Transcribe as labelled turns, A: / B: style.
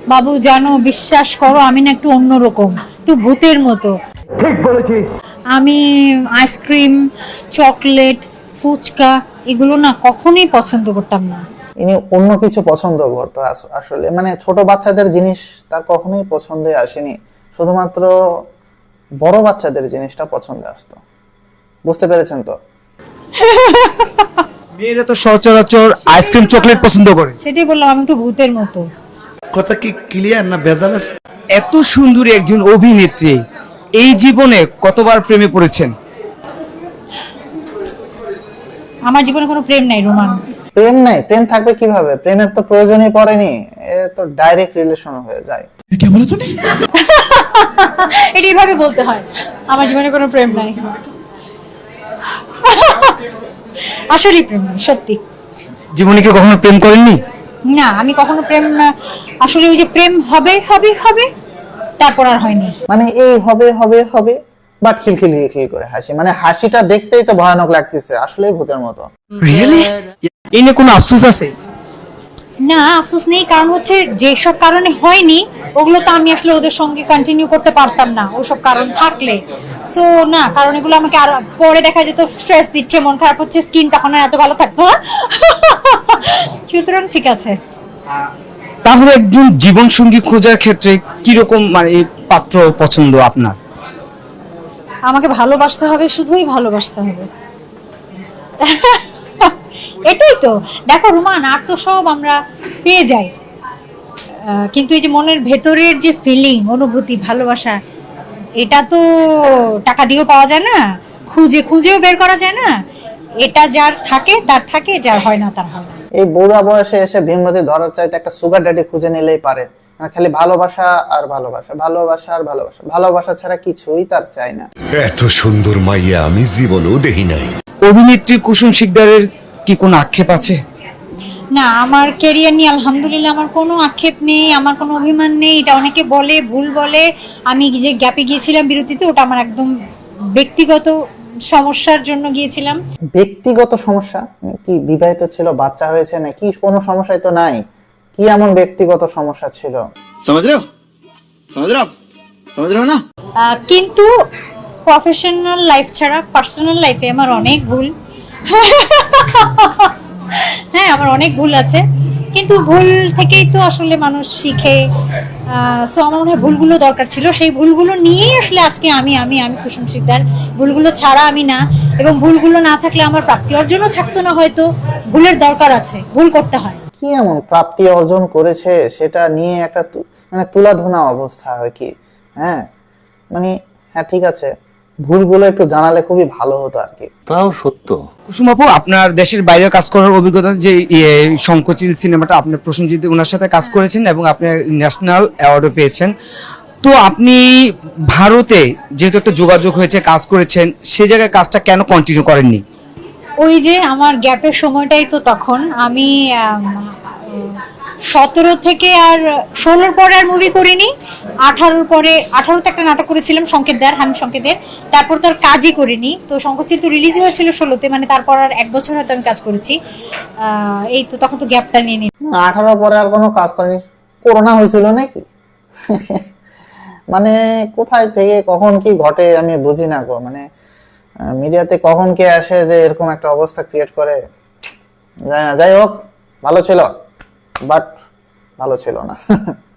A: বাবু জানো, বিশ্বাস করো আমি না একটু অন্যরকম, একটু ভূতের মতো।
B: ঠিক বলেছিস।
A: আমি আইসক্রিম, চকলেট, ফুচকা এগুলো না কখনোই পছন্দ করতাম না।
C: ইনি অন্য কিছু পছন্দ করতো আসলে, মানে ছোট বাচ্চাদের জিনিস তার কখনোই পছন্দে আসেনি, শুধুমাত্র বড় বাচ্চাদের জিনিসটা পছন্দে আসতো। বুঝতে পেরেছেন তো?
D: মেয়েরা তো সচরাচর আইসক্রিম চকলেট পছন্দ করে।
A: সেটাই বললাম, আমি একটু ভূতের মতো।
B: কথা কি ক্লিয়ার না ভেজাল আছে?
D: এত সুন্দরী একজন অভিনেত্রী, এই জীবনে কতবার প্রেমে পড়েছেন?
A: আমার জীবনে কোনো প্রেম নাই রোমান।
C: প্রেম নাই? প্রেম থাকবে কিভাবে? প্রেমের তো প্রয়োজনই পড়েনি, এ তো ডাইরেক্ট রিলেশন হয়ে যায়।
A: এটা এইভাবে বলতে হয়, আমার জীবনে কোনো প্রেম নাই। আসলে প্রেম নাই, সত্যি।
D: জীবনে কি কখনো প্রেম করেননি?
A: না, আমি কখনো প্রেম আসলে ওই যে প্রেম হবে হবে হবে তারপর আর হয়নি।
C: মানে এই হবে হবে হবে, বাট খিলখিল করে হাসি, মানে হাসিটা দেখতেই তো ভয়ানক লাগতেছে, আসলে ভূতের মতো।
D: রিয়েলি? এই নিয়ে কোনো আফসোস আছে?
A: না, আফসোস নেই, কারণ হচ্ছে যেসব কারণে হয়নি ওগুলো তো আমি আসলে ওদের সঙ্গে কন্টিনিউ করতে পারতাম না, ওসব কারণ থাকলে। সো না, কারণ এগুলো আমাকে আর পরে দেখা যেত স্ট্রেস দিচ্ছে, মন খারাপ হচ্ছে, স্কিন তখন আর এত ভালো থাকতো না। সুতরাং ঠিক আছে।
D: তাহলে একজন জীবন সঙ্গী খোঁজার ক্ষেত্রে কিরকম মানে পাত্র পছন্দ আপনার?
A: আমাকে ভালোবাসতে হবে, শুধুই ভালোবাসতে হবে। এটাই তো। দেখো রোমান, আর তো সব আমরা পেয়ে যাই, কিন্তু এই যে মনের ভেতরের যে ফিলিং, অনুভূতি, ভালোবাসা, এটা তো টাকা দিয়েও পাওয়া যায় না, খুঁজেও বের করা যায় না। এটা যার থাকে তার থাকে, যার হয় না তার হয় না।
C: এই বুড়া বয়সে এসে ভীমরতি ধরার চাইতে একটা সুগার ড্যাডি খুঁজে নিলেই পারে। মানে খালি ভালোবাসা আর ভালোবাসা, ভালোবাসা আর ভালোবাসা, ভালোবাসা ছাড়া কিছুই তার চাই না।
E: এত সুন্দর মাইয়া আমি জীবনেও দেখি নাই।
D: অভিনেত্রী কুসুম শিকদারের কি কোনো আক্ষেপ আছে?
A: না, আমার ক্যারিয়ার নিয়ে আলহামদুলিল্লাহ আমার কোনো আক্ষেপ নেই, আমার কোনো অভিমান নেই। এটা অনেকে বলে, ভুল বলে। আমি যে গ্যাপে গিয়েছিলাম বিরতিতে, ওটা আমার একদম ব্যক্তিগত সমস্যার জন্য গিয়েছিলাম।
C: ব্যক্তিগত সমস্যা? মানে কি বিবাহিত ছিল, বাচ্চা হয়েছে, নাকি কোনো সমস্যাই তো নাই? কি এমন ব্যক্তিগত সমস্যা ছিল?
F: समझ रहे हो समझ रहे हो आप समझ रहे हो ना।
A: কিন্তু প্রফেশনাল লাইফ ছাড়া পার্সোনাল লাইফে আমার অনেক ভুল। হ্যাঁ, আমার অনেক ভুল আছে, কিন্তু ভুল থেকেই তো আসলে মানুষ শিখে। সো আমার মনে হয় ভুলগুলো দরকার ছিল, সেই ভুলগুলো নিয়েই আসলে আজকে আমি আমি আমি কুসুম শিকদার। ভুলগুলো ছাড়া আমি না, এবং ভুলগুলো না থাকলে আমার প্রাপ্তি অর্জনও থাকতো না হয়তো। ভুলের দরকার আছে, ভুল করতে হয়।
C: কি এমন প্রাপ্তি অর্জন করেছে সেটা নিয়ে একটা মানে তুলাধুনা অবস্থা আর কি। হ্যাঁ মানে, হ্যাঁ ঠিক আছে, ভুলগুলো একটু জানালে খুবই ভালো হতো আর কি।
E: তাও সত্য।
D: কুসুম আপু, আপনার দেশের বাইরে কাজ করার অভিজ্ঞতা, যে শঙ্খচিল সিনেমাটা আপনি প্রসেনজিৎ ওনার সাথে কাজ করেছেন এবং আপনি ন্যাশনাল অ্যাওয়ার্ডও পেয়েছেন, তো আপনি ভারতে যেহেতু একটা যোগাযোগ হয়েছে, কাজ করেছেন, সে জায়গায় কাজটা কেন কন্টিনিউ করেননি?
A: ওই যে আমার গ্যাপের সময়টাই তো তখন আমি 17 থেকে আর 16 পরে আর মুভি করিনি। 18 পরে, 18তে একটা নাটক করেছিলাম সংকেতদার, হামিদ সংকেতের, তারপর তো আর কাজই করিনি। তো শঙ্খচিল তো রিলিজ হয়েছিল 16তে, মানে তারপর আর 1 বছর হয়তো আমি কাজ করেছি। এই তো তখন তো গ্যাপটা নিয়ে নি।
C: 18 পরে আর কোনো কাজ করেনি? করোনা হয়েছিল নাকি? মানে কোথায় থেকে কখন কি ঘটে আমি বুঝি না গো। মানে মিডিয়াতে কখন কে আসে যে এরকম একটা অবস্থা ক্রিয়েট করে, জানি না। যাই হোক, ভালো ছিল, বাট ভালো ছিল না।